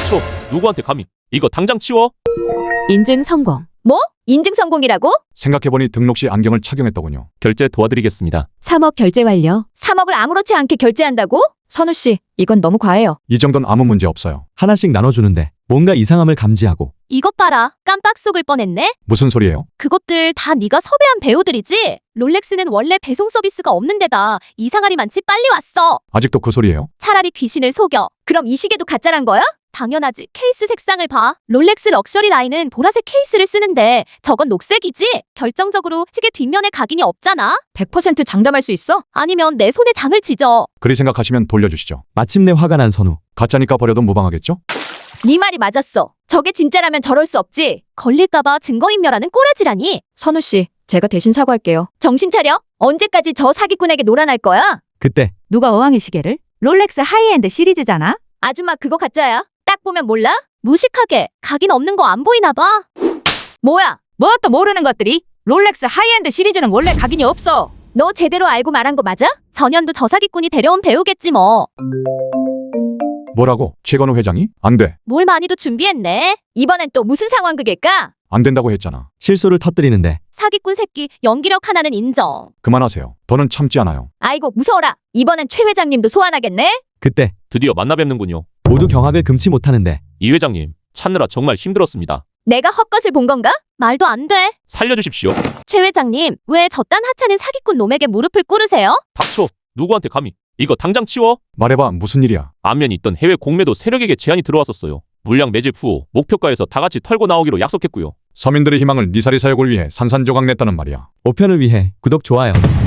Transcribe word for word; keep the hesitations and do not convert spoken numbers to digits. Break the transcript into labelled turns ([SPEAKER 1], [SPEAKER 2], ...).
[SPEAKER 1] 닥쳐. 누구한테 감히. 이거 당장 치워.
[SPEAKER 2] 인증 성공.
[SPEAKER 3] 뭐? 인증 성공이라고?
[SPEAKER 4] 생각해보니 등록 시 안경을 착용했더군요.
[SPEAKER 1] 결제 도와드리겠습니다.
[SPEAKER 2] 삼억 결제 완료.
[SPEAKER 3] 삼억을 아무렇지 않게 결제한다고? 선우 씨, 이건 너무 과해요.
[SPEAKER 4] 이 정도는 아무 문제 없어요.
[SPEAKER 5] 하나씩 나눠주는데 뭔가 이상함을 감지하고
[SPEAKER 3] 이것 봐라. 깜빡 속을 뻔했네.
[SPEAKER 4] 무슨 소리예요?
[SPEAKER 3] 그것들 다 네가 섭외한 배우들이지? 롤렉스는 원래 배송 서비스가 없는 데다 이상하리 많지 빨리 왔어.
[SPEAKER 4] 아직도 그 소리예요?
[SPEAKER 3] 차라리 귀신을 속여. 그럼 이 시계도 가짜란 거야? 당연하지. 케이스 색상을 봐. 롤렉스 럭셔리 라인은 보라색 케이스를 쓰는데 저건 녹색이지? 결정적으로 시계 뒷면에 각인이 없잖아? 백 퍼센트 장담할 수 있어? 아니면 내 손에 장을 지져.
[SPEAKER 4] 그리 생각하시면 돌려주시죠.
[SPEAKER 5] 마침내 화가 난 선우.
[SPEAKER 4] 가짜니까 버려도 무방하겠죠?
[SPEAKER 3] 네 말이 맞았어. 저게 진짜라면 저럴 수 없지. 걸릴까봐 증거인멸하는 꼬라지라니. 선우 씨, 제가 대신 사과할게요. 정신 차려. 언제까지 저 사기꾼에게 놀아날 거야?
[SPEAKER 5] 그때
[SPEAKER 2] 누가 어항의 시계를? 롤렉스 하이엔드 시리즈잖아.
[SPEAKER 3] 아줌마 그거 가짜야. 딱 보면 몰라? 무식하게 각인 없는 거 안 보이나 봐. 뭐야?
[SPEAKER 2] 뭣도 모르는 것들이? 롤렉스 하이엔드 시리즈는 원래 각인이 없어.
[SPEAKER 3] 너 제대로 알고 말한 거 맞아? 전현도 저 사기꾼이 데려온 배우겠지 뭐.
[SPEAKER 4] 뭐라고? 최건우 회장이? 안 돼.
[SPEAKER 3] 뭘 많이도 준비했네. 이번엔 또 무슨 상황극일까?
[SPEAKER 4] 안 된다고 했잖아.
[SPEAKER 5] 실수를 터뜨리는데
[SPEAKER 3] 사기꾼 새끼 연기력 하나는 인정.
[SPEAKER 4] 그만하세요. 더는 참지 않아요.
[SPEAKER 3] 아이고 무서워라. 이번엔 최 회장님도 소환하겠네.
[SPEAKER 5] 그때
[SPEAKER 1] 드디어 만나 뵙는군요.
[SPEAKER 5] 모두 경악을 금치 못하는데
[SPEAKER 1] 이 회장님, 찾느라 정말 힘들었습니다.
[SPEAKER 3] 내가 헛것을 본 건가? 말도 안 돼.
[SPEAKER 1] 살려주십시오.
[SPEAKER 3] 최 회장님, 왜 저딴 하찮은 사기꾼 놈에게 무릎을 꿇으세요?
[SPEAKER 1] 닥쳐. 누구한테 감히. 이거 당장 치워.
[SPEAKER 4] 말해봐, 무슨 일이야?
[SPEAKER 1] 안면이 있던 해외 공매도 세력에게 제안이 들어왔었어요. 물량 매집 후 목표가에서 다 같이 털고 나오기로 약속했고요.
[SPEAKER 4] 서민들의 희망을 니사리 사역을 위해 산산조각 냈다는 말이야.
[SPEAKER 5] 오 편을 위해 구독 좋아요